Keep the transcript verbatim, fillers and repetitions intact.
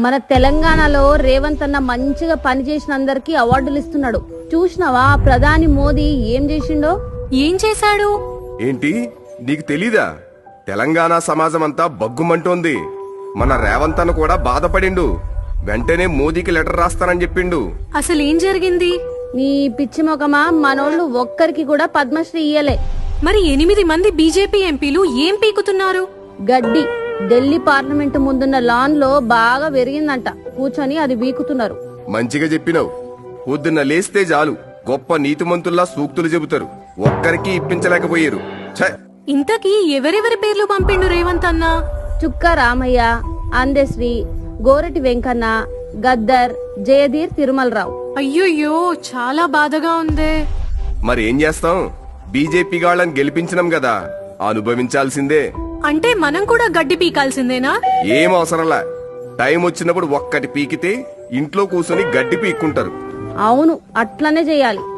మన తెలంగాణలో రేవంత్ అన్న మంచిగా పని చేసిన అందరికి అవార్డులు ఇస్తున్నాడు. చూసినావా ప్రధాని మోదీ ఏం చేసిండో? ఏం చేశాడు? ఏంటి నీకు తెలీదా? తెలంగాణ సమాజం అంతా బగ్గుమంటోంది. మన రేవంత్ అన్న కూడా బాధపడిండు. వెంటనే మోదీకి లెటర్ రాస్తానని చెప్పిండు. అసలేం జరిగింది? నీ పిచ్చి మొకమా, మనోళ్ళు ఒక్కరికి కూడా పద్మశ్రీ ఇయ్యలే. మరి ఎనిమిది మంది బీజేపీ ఎంపీలు ఏం పీకుతున్నారు? గడ్డి ఢిల్లీ పార్లమెంటు ముందున్న లాన్ లో బాగా పెరిగిందంట, కూర్చొని అది వీకుతున్నారు. మంచిగా చెప్పినావు. పొద్దున్న లేస్తే చాలు గొప్ప నీతిమంతుల్లా సూక్తులు చెబుతారు. ఒక్కరికి ఇప్పించలేకపోయారు. ఛ! ఇంతకీ ఎవరెవరి పేర్లు పంపిండు రేవంత్ అన్న? చుక్క రామయ్య, అందశ్రీ, గోరటి వెంకన్న, గద్దర్, జయధీర్, తిరుమలరావు. అయ్యోయ్యో, చాలా బాధగా ఉందే. మరి ఏం చేస్తాం? బీజేపీ గాళ్ళని గెలిపించినాం కదా, అనుభవించాల్సిందే. అంటే మనం కూడా గడ్డి పీకాల్సిందేనా? ఏం అవసరంలా. టైం వచ్చినప్పుడు ఒక్కటి పీకితే ఇంట్లో కూర్చొని గడ్డి పీక్కుంటారు. అవును, అట్లనే చేయాలి.